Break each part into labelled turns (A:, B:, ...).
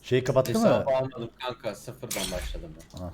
A: Şeyi kapattı mı?
B: Hesabı almadım kanka. Sıfırdan başladım ben.
A: Ha.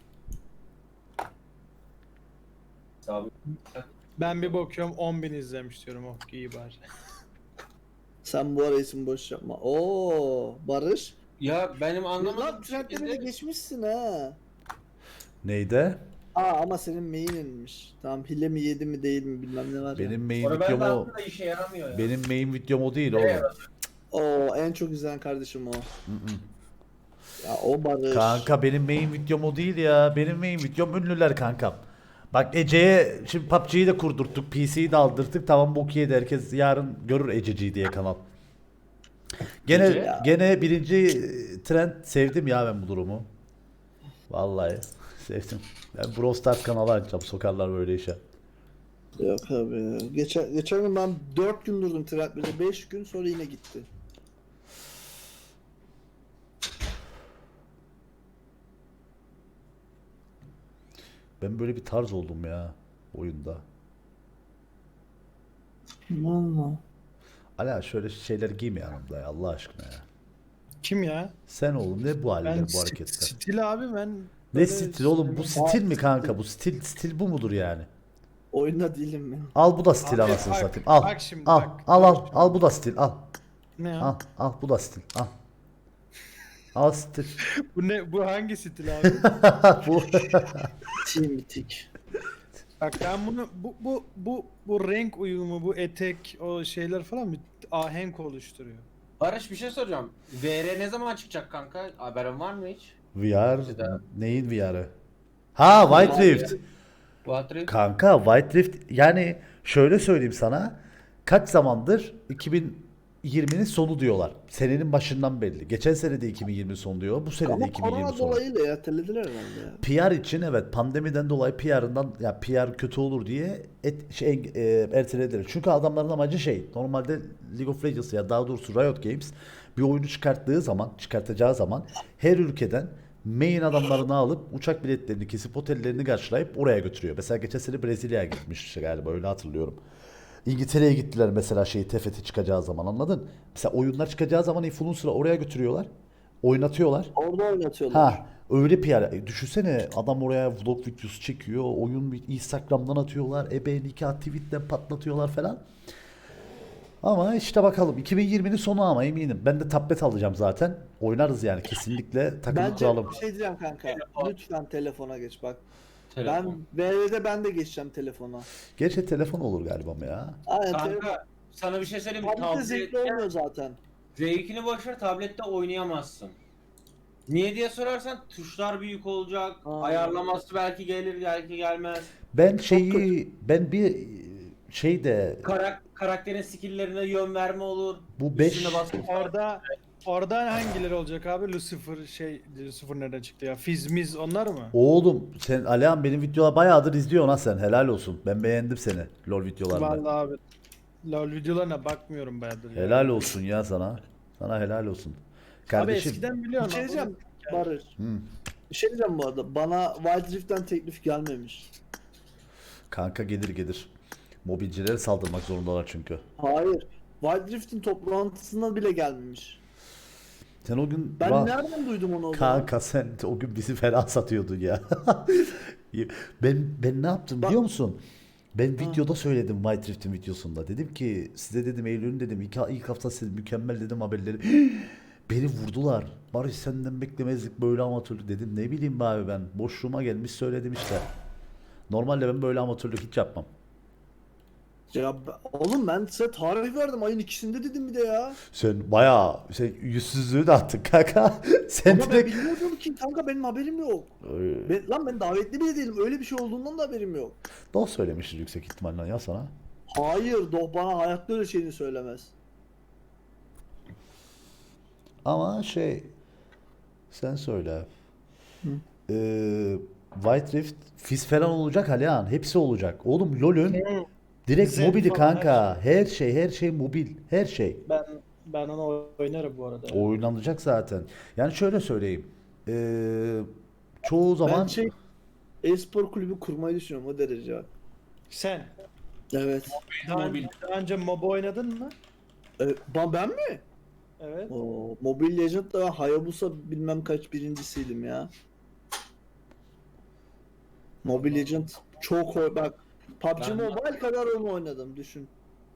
B: Hesabı...
C: Ben bir bakıyorum 10.000 izlemiş diyorum. Oh iyi bari.
D: Sen bu ara isim boş yapma. Oo Barış.
B: Ya benim
D: Lan
B: anlamadığım
D: trendleri de
B: şekilde...
D: geçmişsin ha.
A: Neydi?
D: Ama senin main'inmiş. Tamam hile mi yedi mi değil mi bilmem ne var ya.
A: Benim main
B: Sonra ben
A: videom
B: de
A: o.
B: aslında işe yaramıyor ya.
A: Benim main videom o değil
B: Evet.
A: oğlum.
D: Oo en çok izlenen kardeşim o. Ya o Barış.
A: Kanka benim main videom o değil ya. Benim main videom ünlüler kankam. Bak Ece'ye şimdi PUBG'yi de kurdurttuk. PC'yi de aldırdık. Tamam bok yedi. Herkes yarın görür Ececi'yi diye kanal. Gene
B: Ece?
A: gene birinci trend sevdim ya ben bu durumu. Vallahi sevdim. Ben Brawl Stars kanalı açacağım. Sokarlar böyle işe.
D: Yok abi. Geçen gün ben 4 gün durdum trendlerde. 5 gün sonra yine gitti.
A: Ben böyle bir tarz oldum ya oyunda.
D: Valla.
A: Ala şöyle şeyler giyme yanımda ya Allah aşkına ya.
C: Kim ya?
A: Sen oğlum ne bu haller
C: Ben
A: bu hareketler?
C: stil abi ben.
A: Ne
C: böyle
A: stil oğlum bu
C: sevmem.
A: stil mi kanka bu stil bu mudur yani?
D: Oyunda değilim ben.
A: Al bu da stil
C: Abi
A: anasını
C: bak,
A: satayım al.
C: bak şimdi,
A: al,
C: bak.
A: al bu da stil al.
C: Ne ya?
A: Al bu da stil al. Al stil.
C: Bu ne? Bu hangi stil abi?
A: Bu
D: Team bitik.
C: Bak ben bunu bu renk uyumu, bu etek, o şeyler falan bir ahenk oluşturuyor.
B: Barış bir şey soracağım. VR ne zaman çıkacak kanka? Haberin var mı hiç?
A: VR
B: Güzel.
A: neyin VR'ı? Ha White Rift.
B: Battery.
A: Kanka White Rift yani şöyle söyleyeyim sana. Kaç zamandır 2020'nin sonu diyorlar. Senenin başından belli. Geçen sene de 2020 sonu diyor. Bu sene de
D: Ama
A: 2020
D: korona
A: sonu.
D: dolayıyla ertelediler herhalde ya.
A: PR için evet pandemiden dolayı PR'ından ya PR kötü olur diye ertelediler. Çünkü adamların amacı şey normalde League of Legends ya daha doğrusu Riot Games bir oyunu çıkartacağı zaman her ülkeden main adamlarını alıp uçak biletlerini kesip otellerini karşılayıp oraya götürüyor. Mesela geçen sene Brezilya'ya gitmiş galiba öyle hatırlıyorum. İngiltere'ye gittiler mesela TFT çıkacağı zaman anladın? Mesela oyunlar çıkacağı zaman influencer'ı oraya götürüyorlar. Oynatıyorlar.
D: Orada oynatıyorlar.
A: Ha öyle PR. Düşünsene adam oraya vlog videosu çekiyor. Oyun Instagram'dan atıyorlar. nikah tweetle patlatıyorlar falan. Ama işte bakalım 2020'nin sonu ama eminim. Ben de tablet alacağım zaten. Oynarız yani kesinlikle takılı
D: Bence
A: kuralım.
D: bir şey diyeceğim kanka. Lütfen telefona geç bak.
B: Telefon.
D: Ben de geçeceğim telefona.
A: Gerçi telefon olur galiba ama ya.
D: Aynen telefon.
B: Kanka sana bir şey söyleyeyim mi?
D: Tablette zevkli olmuyor zaten.
B: Zevkini boşver tablette oynayamazsın. Niye diye sorarsan tuşlar büyük olacak. Ayarlaması belki gelir belki gelmez.
A: Ben
D: kötü.
A: ben bir şeyde
B: Karakterin skill'lerine yön verme olur.
A: Bu beş-
B: Üstüne baskı
C: Orada hangileri olacak abi? Lucifer nereden çıktı ya? Fizmiz onlar mı?
A: oğlum sen Alihan benim videolar bayağıdır izliyorsun ha sen helal olsun. Ben beğendim seni LoL videolarında.
C: Vallahi abi. LoL videolarına bakmıyorum bayağıdır ya.
A: Helal olsun ya sana. Sana helal olsun.
C: Abi
A: Kardeşim.
C: eskiden
D: Bir
C: biliyorum.
D: şey
C: abi.
D: diyeceğim Barış.
A: Hı.
D: Bir şey diyeceğim bu arada. Bana Wild Rift'ten teklif gelmemiş.
A: Kanka gelir. Mobilcilere saldırmak zorundalar çünkü.
D: Hayır. Wild Rift'in toplantısına bile gelmemiş.
A: Sen o gün
D: Ben nereden duydum onu o zaman?
A: Kanka sen o gün bizi fena satıyordun ya. ben ne yaptım biliyor musun? Ben videoda söyledim White Rift'in videosunda. Dedim ki size dedim Eylül'ün dedim ilk hafta siz mükemmel dedim haberleri. Beni vurdular. Barış senden beklemezdik böyle amatörlük dedim. Ne bileyim be abi ben. Boşluğuma gelmiş söyledim işte. Normalde ben böyle amatörlük hiç yapmam.
D: Ya oğlum ben size tarih verdim ayın ikisinde dedim bir de ya.
A: Sen bayağı yüzsüzlüğü de attın kanka. Sen
D: Ama ben
A: direkt...
D: bilmiyordum ki kanka benim haberim yok. Ben davetli bile değilim. Öyle bir şey olduğundan da haberim yok.
A: Doh söylemiştir yüksek ihtimalle ya sana.
D: Hayır, Doh bana hayatta öyle şeyini söylemez.
A: Ama sen söyle. White Rift Fizz falan olacak Alihan. Hepsi olacak. Oğlum LoL'ün direkt
C: Zen
A: mobili
C: falan,
A: kanka. Her şey mobil. Her şey.
C: Ben onu oynarım bu arada.
A: Oynanacak zaten. Yani şöyle söyleyeyim. Çoğu zaman
D: Ben e-spor kulübü kurmayı düşünüyorum o derece.
C: Sen
D: Evet.
C: daha önce MOBA oynadın mı?
D: Ben mi?
C: Evet.
D: O Mobile Legends'da ben Hayabusa bilmem kaç birincisiydim ya. Mobile Legends çok bak PUBG
B: Ben-
D: Mobile kadar onu oynadım düşün.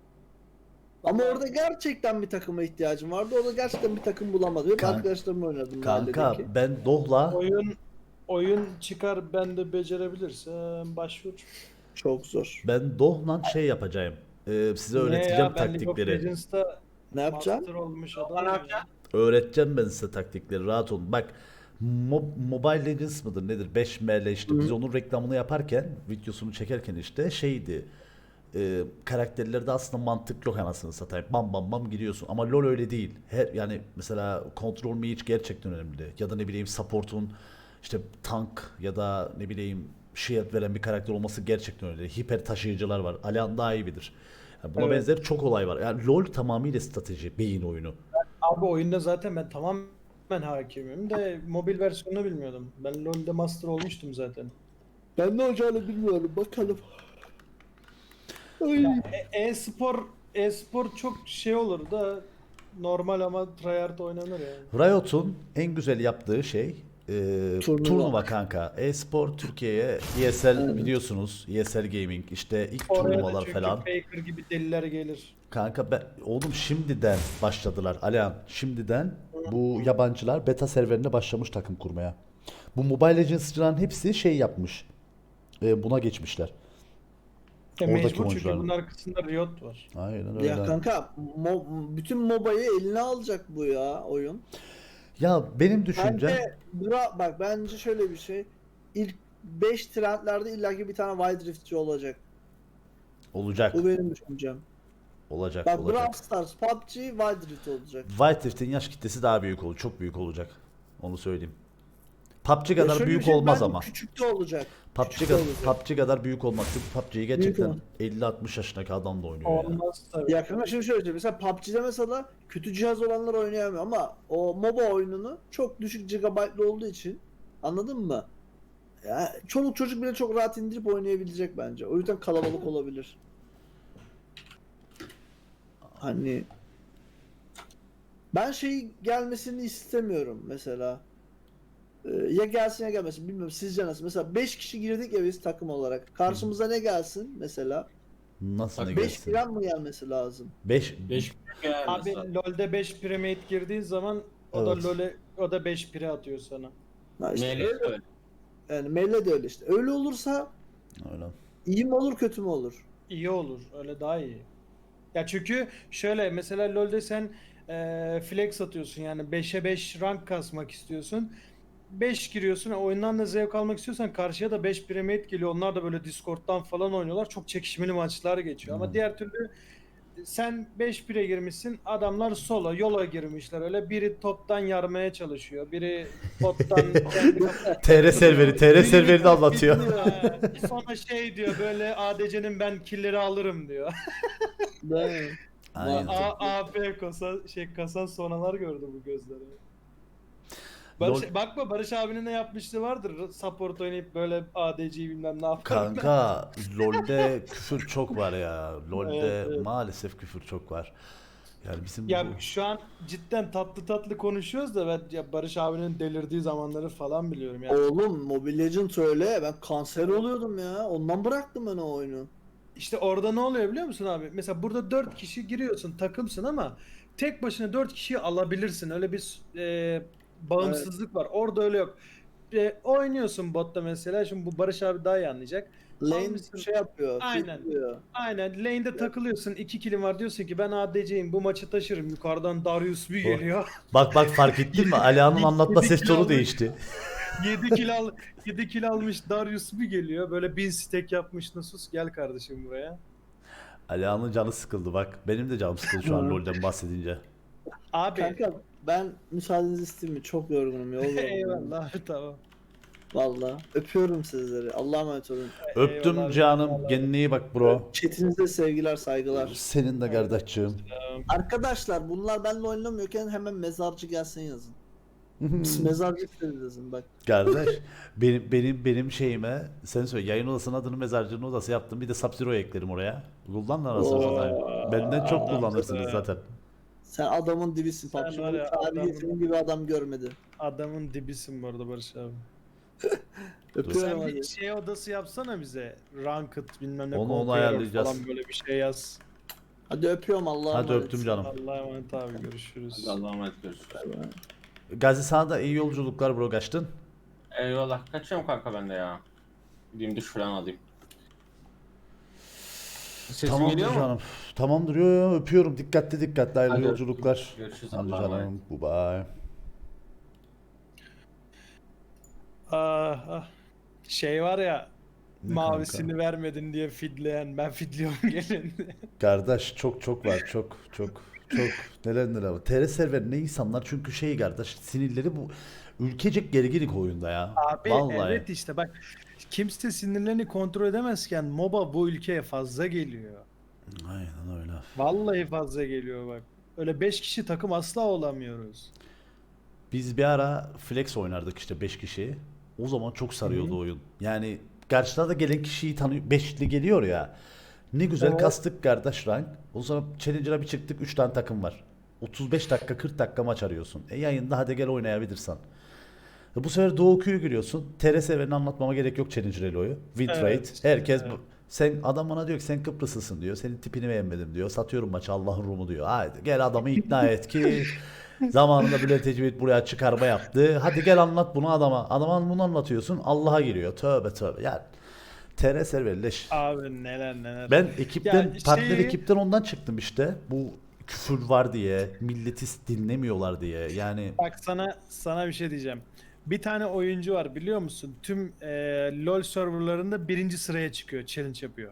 D: Ama orada gerçekten bir takıma ihtiyacım vardı. Orada gerçekten bir takım bulamadım. Hep
A: Kan-
D: arkadaşlarımla oynadım
A: Kanka
D: mahalledeki.
A: ben Doh'la
C: Oyun çıkar ben de becerebilirsem başvur.
D: Çok zor.
A: şey yapacağım. Size
C: Ne
A: öğreteceğim
C: ya, ben League of
A: taktikleri.
D: Ne
C: Legends'ta
D: yapacağım?
C: master olmuş
B: Ne
C: adamım ya.
B: yapacaksın?
A: Öğreteceğim ben size taktikleri. Rahat olun. Bak Mobile Legends mıdır nedir? 5ML işte biz onun reklamını yaparken, videosunu çekerken işte şeydi. Karakterlerde aslında mantık yok anasını satayım. Bam bam bam gidiyorsun. Ama LoL öyle değil. Yani mesela Control Mage gerçekten önemli. Ya da ne bileyim support'un işte tank ya da ne bileyim shield veren bir karakter olması gerçekten öyle. Hiper taşıyıcılar var. Alihan daha iyi bilir. Yani buna
C: Evet.
A: benzer çok olay var. Yani LoL tamamıyla strateji, beyin oyunu.
C: Abi oyunda zaten ben tamamen hakimim de mobil versiyonunu bilmiyordum. Ben LoL'de master olmuştum zaten.
D: Ben ne olacağını bilmiyorum. Bakalım. Ay.
C: E-spor çok şey olur da normal ama tryhard oynanır yani.
A: Riot'un en güzel yaptığı şey turnuva kanka. E-spor Türkiye'ye ESL biliyorsunuz. ESL Gaming işte ilk
C: Oraya da
A: turnuvalar
C: çünkü
A: falan.
C: Faker gibi deliler gelir.
A: Kanka oğlum şimdiden başladılar Alihan. Şimdiden bu yabancılar beta serverine başlamış takım kurmaya. Bu Mobile Legends'cıların hepsi şey yapmış. Buna geçmişler.
C: Ya
A: Oradaki
C: mecbur çünkü
A: oyuncular.
C: bunun arkasında Riot var.
A: Aynen öyle.
D: Ya kanka bütün MOBA'yı eline alacak bu ya oyun.
A: Ya benim düşüncem
D: Bence bak bence şöyle bir şey. İlk 5 trendlerde illaki bir tane Wild Rift'ci olacak.
A: olacak.
D: Bu benim düşüncem.
A: Olacak.
D: Bak
A: Olacak.
D: Brawl Stars, PUBG, Wild Rift olacak.
A: White Rift'in yaş kitlesi daha büyük olur. Çok büyük olacak. Onu söyleyeyim. PUBG
D: Ya
A: kadar
D: şöyle bir
A: büyük
D: şey,
A: olmaz
D: bence
A: ama.
D: küçük de olacak.
A: PUBG,
D: Küçük de olacak.
A: PUBG kadar büyük olmaz. Çünkü PUBG'yi
D: Büyük
A: gerçekten
D: olmaz.
A: 50-60 yaşındaki adam da oynuyor ya.
C: Olmaz tabii.
D: Ya kanka şimdi şöyle mesela PUBG'de mesela kötü cihaz olanlar oynayamıyor ama o MOBA oyununu çok düşük gigabaytlı olduğu için anladın mı? Ya çoluk çocuk bile çok rahat indirip oynayabilecek bence. O yüzden kalabalık olabilir. Hani ben şey gelmesini istemiyorum mesela. Ya gelsin ya gelmesin bilmiyorum sizce nasıl? Mesela 5 kişi girdik ya biz takım olarak. Karşımıza ne gelsin mesela?
A: Nasıl ne
D: 5
A: gelsin?
D: giren mi gelmesi lazım?
A: 5
C: Abi LoL'de 5 primate girdiği zaman o
A: Evet.
C: da o da 5 pire atıyor sana.
D: Ha işte
B: Neyle
D: öyle.
B: öyle.
D: Yani Melle de öyle işte. Öyle olursa
A: öyle.
D: iyi mi olur kötü mü olur?
C: İyi olur. Öyle daha iyi. Ya çünkü şöyle mesela LoL'de sen flex atıyorsun yani 5'e 5 rank kasmak istiyorsun. 5 giriyorsun. Oyundan da zevk almak istiyorsan karşıya da 5 primate geliyor. Onlar da böyle Discord'dan falan oynuyorlar. Çok çekişmeli maçlar geçiyor. Ama diğer türlü sen 5 pire girmişsin. Adamlar solo, yola girmişler. Öyle biri toptan yarmaya çalışıyor. Biri bottan kendi
A: TR serverini anlatıyor.
C: Sonra şey diyor böyle ADC'nin ben killleri alırım diyor.
D: Değil mi?
A: Aynen.
C: AP kasan sonalar gördü bu gözleri.
A: LOL-
C: Bakma Barış abinin ne yapmışlığı vardır. Support oynayıp böyle ADC'yi bilmem ne yapar.
A: Kanka LoL'de küfür çok var ya. LoL'de
C: Evet, evet.
A: maalesef küfür çok var. Yani bizim
C: Ya
A: bu
C: şu an cidden tatlı tatlı konuşuyoruz da ben ya Barış abinin delirdiği zamanları falan biliyorum yani.
D: Oğlum Mobile Legends öyle. Ben kanser oluyordum ya. Ondan bıraktım ben o oyunu.
C: İşte orada ne oluyor biliyor musun abi? Mesela burada 4 kişi giriyorsun, takımsın ama tek başına 4 kişiyi alabilirsin. Öyle bir bağımsızlık var. Orada öyle yok. Oynuyorsun botta mesela. Şimdi bu Barış abi daha iyi anlayacak.
D: Lane
C: Almışsın.
D: şey yapıyor.
C: Aynen.
D: fitliyor.
C: Aynen lane'de takılıyorsun. 2 kilim var diyorsun ki ben ADC'yim bu maçı taşırım. Yukarıdan Darius bir geliyor.
A: bak fark ettin mi? Alihan'ın anlatma ses tonu
C: almış.
A: değişti.
C: 7 kill almış Darius bir geliyor. Böyle 1000 stack yapmış Nasus gel kardeşim buraya.
A: Alihan'ın canı sıkıldı bak. Benim de canım sıkıldı şu an LoL'den bahsedince.
C: Abi
D: Kanka ben müsaadenizi isteyeyim mi? Çok yorgunum. Yol yorgunum.
C: eyvallah tamam.
D: Valla. Öpüyorum sizleri. Allah'a emanet olun.
A: Öptüm
C: Eyvallah,
A: canım.
C: eyvallah.
A: Kendine iyi bak bro.
D: Chatinize sevgiler, saygılar.
A: Senin de kardeşçiğim.
D: Arkadaşlar bunlar benimle oynamıyorken hemen mezarcı gelsin yazın. Biz mezarcı isteriz yazın bak.
A: Kardeş benim şeyime sen söyle yayın odasının adını mezarcının odası yaptım. Bir de Sub-Zero eklerim oraya. Kullanın arasını
D: Oo.
A: satayım. Benden çok kullanırsınız zaten.
D: Sen adamın dibisin
C: Sen
D: PUBG
C: var ya,
D: Mobile tarihi
C: adamın-
D: senin gibi adam görmedi.
C: Adamın dibisin bu arada Barış abi.
D: Öpüyorum
C: Sen bir
D: hadi.
C: şey odası yapsana bize. Ranked bilmem ne
A: Onu
C: Conqueror
A: ayarlayacağız.
C: falan böyle bir şey yaz.
D: Hadi öpüyorum Allah'a
A: Hadi
D: emanet.
A: öptüm canım.
C: Allah'a emanet abi, görüşürüz.
B: Hadi Allah'a emanet görüşürüz.
D: Bay bay.
A: Gazi sana da iyi yolculuklar bro, kaçtın.
B: Eyvallah. Kaçıyorum kanka ben de ya. Gideyim duş falan alayım. Sesim
A: Tamamdır
B: geliyor mu?
A: canım. Tamamdır, yo, öpüyorum. Dikkatli hayırlı
B: Hadi
A: yolculuklar.
B: görüşürüz,
A: Hadi
B: Allah'a emanet.
A: canım. Bye bye.
C: Ah. Şey var ya,
A: Ne
C: mavisini
A: kanka?
C: vermedin diye fidleyen, ben fidliyorum gelin.
A: Kardeş çok var, çok neler var. TR server ne insanlar, çünkü şey kardeş, sinirleri bu ülkecek gerginlik oyunda ya.
C: Abi
A: Vallahi.
C: evet işte bak, kimse sinirlerini kontrol edemezken MOBA bu ülkeye fazla geliyor.
A: Aynen öyle.
C: Vallahi fazla geliyor bak. Öyle 5 kişi takım asla olamıyoruz.
A: Biz bir ara flex oynardık işte 5 kişi. O zaman çok sarıyordu
C: Hı.
A: oyun. Yani karşıda da gelen kişiyi tanıyor. 5'li geliyor ya. Ne güzel
C: Evet.
A: kastık kardeş rank. O zaman Challenger'a bir çıktık, 3 tane takım var. 35 dakika 40 dakika maç arıyorsun. Yayında hadi gel oynayabilirsen. Bu sefer Doğu Q'yu giriyorsun. TRSV'ni anlatmama gerek yok, Challenger Elo'yu. Win rate.
C: Evet,
A: Herkes
C: evet.
A: sen, adam bana diyor ki sen Kıbrıslısın diyor. Senin tipini beğenmedim diyor. Satıyorum maçı, Allah'ın Rumu diyor. Haydi gel adamı ikna et ki zamanında Bülent Ecevit buraya çıkarma yaptı. Hadi gel anlat bunu adama. Adama bunu anlatıyorsun, Allah'a giriyor. Tövbe. Yani TR serverleş.
C: Abi neler.
A: Ben ekipten,
C: Ya
A: partner ekipten ondan çıktım işte. Bu küfür var diye, milleti dinlemiyorlar diye. Yani
C: Bak sana bir şey diyeceğim. Bir tane oyuncu var biliyor musun? Tüm LoL serverlarında birinci sıraya çıkıyor, challenge yapıyor.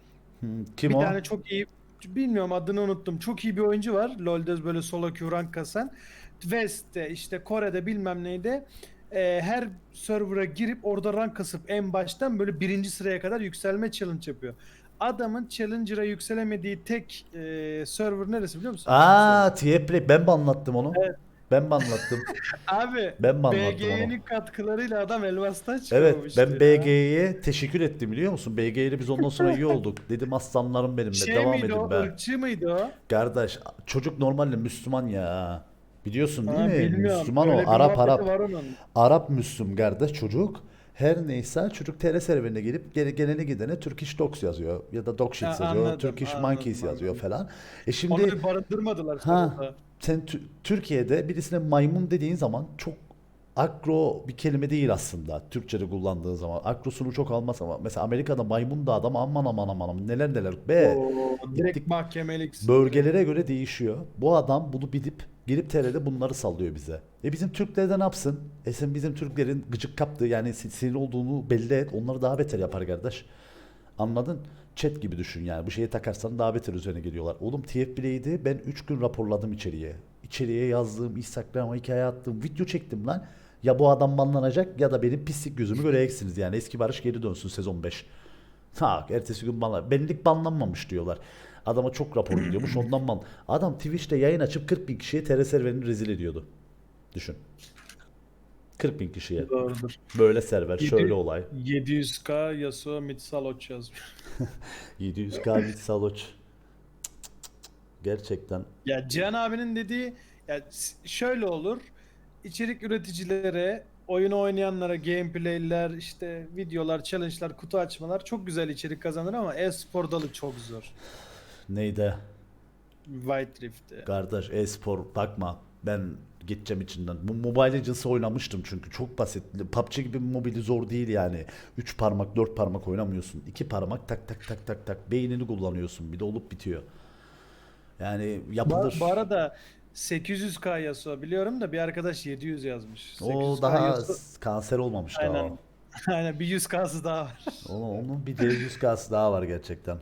A: kim
C: Bir
A: o?
C: tane çok iyi, bilmiyorum adını unuttum. Çok iyi bir oyuncu var. LoL'de böyle solo queue rank kasan. West'te işte Kore'de bilmem neyde her server'a girip orada rank kasıp en baştan böyle birinci sıraya kadar yükselme challenge yapıyor. Adamın challenger'a yükselemediği tek server neresi biliyor musun?
A: Aa, Tiepley, ben mi anlattım onu?
C: Evet.
A: Ben mi anlattım?
C: Abi
A: Ben mi anlattım onu?
C: BG'nin katkılarıyla adam elmastan
A: Evet,
C: çıkamamıştı
A: ben
C: ya.
A: BG'ye teşekkür ettim biliyor musun? BG'yle biz ondan sonra iyi olduk. Dedim aslanlarım benim be,
C: Şey
A: devam
C: miydi
A: edin
C: o?
A: be.
C: Irkçı mıydı o?
A: Kardeş, çocuk normalde Müslüman ya. Biliyorsun değil
C: Ha,
A: mi?
C: bilmiyorum.
A: Müslüman
C: Öyle
A: o,
C: bir
A: Arap
C: muhabbeti var onun.
A: Arap Müslüm kardeş çocuk. Her neyse çocuk TR serverine gelip gelene gidene Turkish Dogs yazıyor ya da Dog Shit
C: Ha,
A: yazıyor,
C: anladım,
A: Turkish
C: anladım,
A: Monkeys yazıyor
C: anladım.
A: falan.
C: Onu
A: Şimdi
C: bir barındırmadılar
A: ha,
C: serverda.
A: sen Türkiye'de birisine maymun dediğin zaman çok agro bir kelime değil aslında. Türkçe'de kullandığın zaman. Agrosunu çok almaz ama mesela Amerika'da maymun da adam aman neler be.
C: Oo, direkt
A: Gittik,
C: mahkemeliksin.
A: bölgelere göre değişiyor. Bu adam bunu bilip gelip TR'de bunları sallıyor bize. Bizim Türkler de ne yapsın? Sen bizim Türklerin gıcık kaptığı, yani sinir olduğunu belli et. Onları daha beter yapar kardeş. Anladın? Chat gibi düşün yani. Bu şeye takarsan daha beter üzerine geliyorlar. Oğlum TFB'leydi. Ben 3 gün raporladım içeriye. İçeriye yazdığım, Instagram'a hikaye attım, video çektim lan. Ya bu adam banlanacak ya da benim pislik gözümü göreceksiniz yani. Eski Barış geri dönsün sezon 5. Ha, ertesi gün banlar. Benlik banlanmamış diyorlar. Adama çok rapor gidiyormuş ondan ban. Adam Twitch'te yayın açıp 40 bin kişiye TR serverini rezil ediyordu. Düşün. 40 bin kişiye.
C: Doğrudur.
A: Böyle server, şöyle olay.
C: 700k Yasuo Mitsaloç yazmış.
A: 700k bit saloç. Gerçekten.
C: Ya Cihan abinin dediği ya şöyle olur. İçerik üreticilere, oyunu oynayanlara gameplay'ler, işte videolar, challenge'lar, kutu açmalar çok güzel içerik kazanır ama e-spor dalı çok zor.
A: Neydi?
C: White Rift'te.
A: Kardeş, e-spor bakma. Ben gideceğim içinden. Bu Mobile Legends'ı oynamıştım çünkü çok basit. PUBG gibi mobili zor değil yani. 3 parmak 4 parmak oynamıyorsun. 2 parmak tak. Beynini kullanıyorsun. Bir de olup bitiyor. Yani yapılır.
C: Bu arada 800k Yasuo biliyorum da bir arkadaş 700 yazmış.
A: O
C: 800k
A: daha
C: Yasuo.
A: kanser olmamış daha
C: Aynen.
A: o.
C: Aynen bir 100k'sı daha var.
A: Onun bir de 100k'sı daha var gerçekten.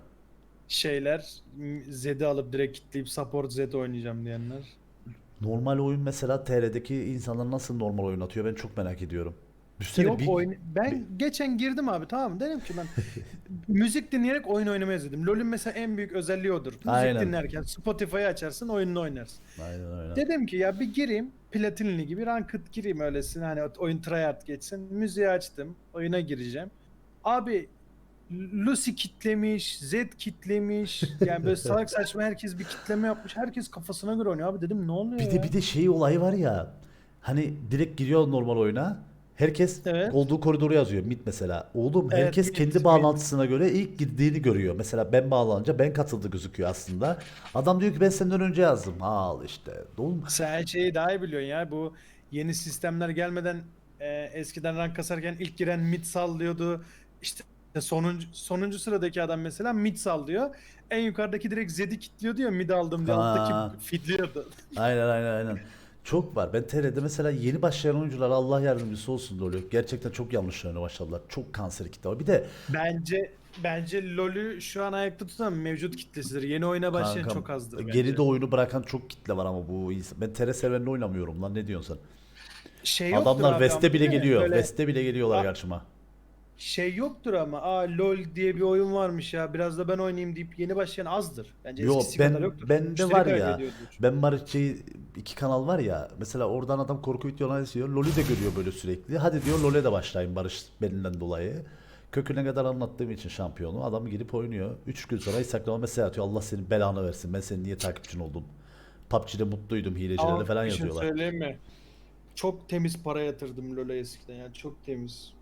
C: Zed'i alıp direkt kitleyip support Zed oynayacağım diyenler.
A: Normal oyun mesela TR'deki insanlar nasıl normal oyun atıyor, ben çok merak ediyorum. Düşünsene
C: Yok ben geçen girdim abi, tamam mı? Dedim ki ben müzik dinleyerek oyun oynamayı özledim. LoL'ün mesela en büyük özelliği odur. Müzik
A: Aynen.
C: dinlerken Spotify'ı açarsın, oyununu oynarsın.
A: Aynen öyle.
C: Dedim ki ya bir gireyim Platinli gibi ranked gireyim öylesine, hani oyun tryhard geçsin. Müziği açtım, oyuna gireceğim. Abi Lucy kitlemiş, Z kitlemiş. Yani böyle salak saçma herkes bir kitleme yapmış. Herkes kafasına göre oynuyor. Abi dedim ne oluyor
A: Bir
C: ya?
A: de şey olayı var ya. Hani direkt giriyor normal oyuna. Herkes
C: Evet.
A: olduğu koridoru yazıyor. Mid mesela. Oğlum
C: Evet,
A: herkes
C: mid,
A: kendi
C: mid.
A: bağlantısına göre ilk girdiğini görüyor. Mesela ben bağlanınca ben katıldı gözüküyor aslında. Adam diyor ki ben senden önce yazdım. Al işte. Oğlum
C: Sen şeyi daha iyi biliyorsun ya. Bu yeni sistemler gelmeden eskiden rank kasarken ilk giren mid sallıyordu. İşte sonuncu sıradaki adam mesela mid sallıyor. En yukarıdaki direkt Zed'i kilitliyordu ya mid aldım diye alttaki
A: Ha.
C: fidliyordu.
A: Aynen. Çok var. Ben TR'de mesela yeni başlayan oyunculara Allah yardımcısı olsun da oluyor. Gerçekten çok yanlış oynuyor maşallah. Çok kanser kitle var. Bir de
C: Bence LoL'ü şu an ayakta tutan mevcut kitlesidir. Yeni oyuna başlayan
A: kankam
C: çok azdır bence.
A: geride oyunu bırakan çok kitle var ama bu ben TR serverinde oynamıyorum lan, ne diyorsun sen?
C: Şey yoktur
A: Adamlar
C: abi
A: West'e
C: ama
A: bile
C: değil mi?
A: geliyor.
C: Böyle
A: West'e bile geliyorlar
C: A-
A: karşıma.
C: şey yoktur ama LoL diye bir oyun varmış ya biraz da ben oynayayım deyip yeni başlayan azdır. Bence
A: Yo
C: eskisi kadar yoktur.
A: bende
C: Müşteri
A: var ya.
C: kaybediyordur.
A: Ben Maritçi iki kanal var ya. Mesela oradan adam korku videoları izliyor. LoL'ü de görüyor böyle sürekli. Hadi diyor LoL'e de başlayayım Barış belinden dolayı. Köküne kadar anlattığım için şampiyonu. Adam gidip oynuyor. 3 gün sonra Instagram'a mesaj atıyor. Allah senin belanı versin. Ben senin niye takipçin oldum. PUBG'de mutluydum hilecilerle
C: Ama
A: falan
C: bir şey
A: yazıyorlar.
C: söyleyeyim mi? Çok temiz para yatırdım LoL'e eskiden yani çok temiz.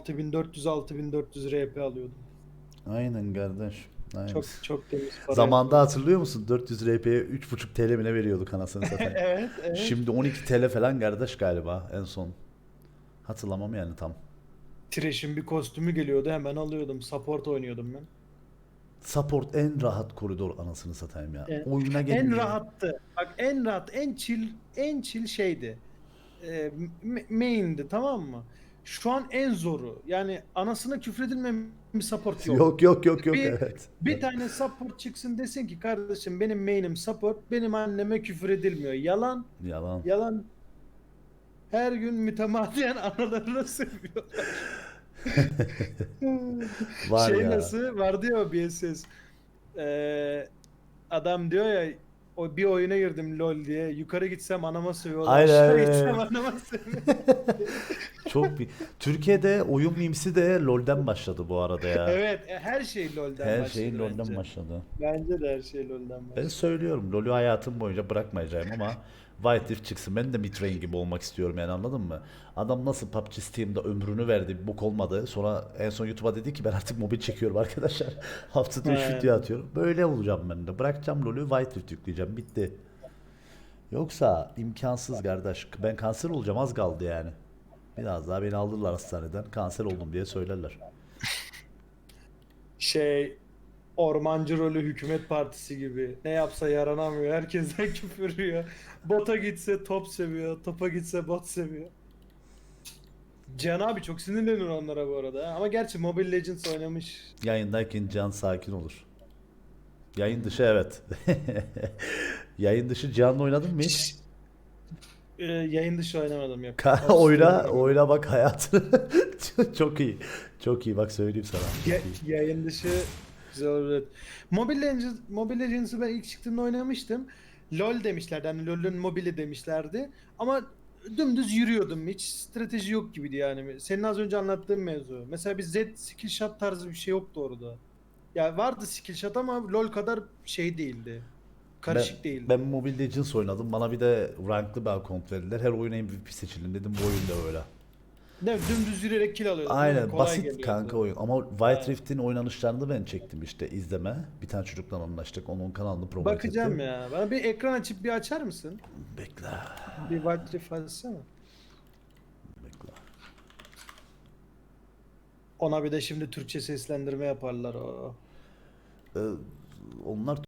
C: 6400 RP alıyordum.
A: Aynen kardeş. Aynen.
C: Çok temiz para
A: Zamanında
C: yatırdım.
A: hatırlıyor musun? 400 RP'ye 3,5 TL mi ne veriyorduk anasını satayım.
C: Evet.
A: Şimdi 12 TL falan kardeş galiba en son. Hatırlamam yani tam.
C: Thresh'in bir kostümü geliyordu hemen alıyordum. Support oynuyordum ben.
A: Support en rahat koridor anasını satayım ya.
C: Evet.
A: Oyuna
C: En
A: gelmiyor.
C: rahattı. Bak en rahat, en chill şeydi. Main'di tamam mı? Şu an en zoru. Yani anasına küfredilmeyen bir support yok.
A: Yok
C: Bir
A: evet.
C: bir tane support çıksın desin ki kardeşim benim main'im support, benim anneme küfür edilmiyor. Yalan,
A: Yalan.
C: yalan. Her gün mütemadiyen analarına sövüyor.
A: Var
C: Şey
A: ya.
C: nasıl vardı ya o BSS. Ee, adam diyor ya o bir oyuna girdim LoL diye. Yukarı gitsem anama sövüyorlar. Aşağı gitsem
A: Aynen.
C: anama sövüyor.
A: Çok bir. Türkiye'de oyun mimsi de LoL'den başladı bu arada ya.
C: Evet, her şey LoL'den
A: Her
C: başladı
A: şey LoL'den
C: bence.
A: başladı.
C: Bence de her şey LoL'den
A: Ben
C: başladı.
A: söylüyorum LoL'ü hayatım boyunca bırakmayacağım ama White Rift çıksın. Ben de mid-range gibi olmak istiyorum yani, anladın mı? Adam nasıl PUBG Steam'de ömrünü verdi, bir bok olmadı. Sonra en son YouTube'a dedi ki ben artık mobil çekiyorum arkadaşlar. Haftada 3
C: He.
A: video atıyorum. Böyle olacağım ben de. Bırakacağım LoL'ü, White Rift yükleyeceğim. Bitti. Yoksa imkansız kardeş. Ben kanser olacağım, az kaldı yani. Biraz daha beni alırlar hastaneden. Kanser oldum diye söylerler.
C: Şey ormancı rolü hükümet partisi gibi. Ne yapsa yaranamıyor. Herkesten küfür yiyor. Bota gitse top seviyor. Topa gitse bot seviyor. Can abi çok sinirlenir onlara bu arada. Ha. Ama gerçi Mobile Legends oynamış.
A: Yayındayken can sakin olur. Yayın dışı evet. Yayın dışı canlı oynadın mı hiç?
C: Yayın dışı oynamadım yok.
A: Oyna bak hayatını. Çok iyi. Çok iyi bak, söyleyeyim sana. Çok iyi.
C: Yayın dışı güzel olabilir. Mobile Legends'ı ben ilk çıktığında oynamıştım. LoL demişlerdi. Hani LoL'ün mobili demişlerdi. Ama dümdüz yürüyordum. Hiç strateji yok gibiydi yani. Senin az önce anlattığın mevzu. Mesela bir Z skill shot tarzı bir şey yoktu orada. Ya vardı skill shot ama LoL kadar şey değildi. Karışık değildi.
A: Ben Mobile Legends oynadım. Bana bir de ranklı bir account verdiler. Her oyuna MVP seçildim dedim, bu oyun da öyle.
C: Değil mi? Dümdüz yürüyerek kill alıyordum. değil mi?
A: Aynen
C: Kolay
A: basit
C: geliyordu.
A: kanka oyun. Ama White
C: Ha.
A: Rift'in oynanışlarını ben çektim işte izleme. Bir tane çocukla anlaştık. Onun kanalını promote
C: Bakacağım
A: ettim.
C: ya. Bana bir ekran açıp bir açar mısın?
A: Bekle.
C: Bir Wild Rift açsana.
A: Bekle.
C: Ona bir de şimdi Türkçe seslendirme yaparlar o.
A: Onlar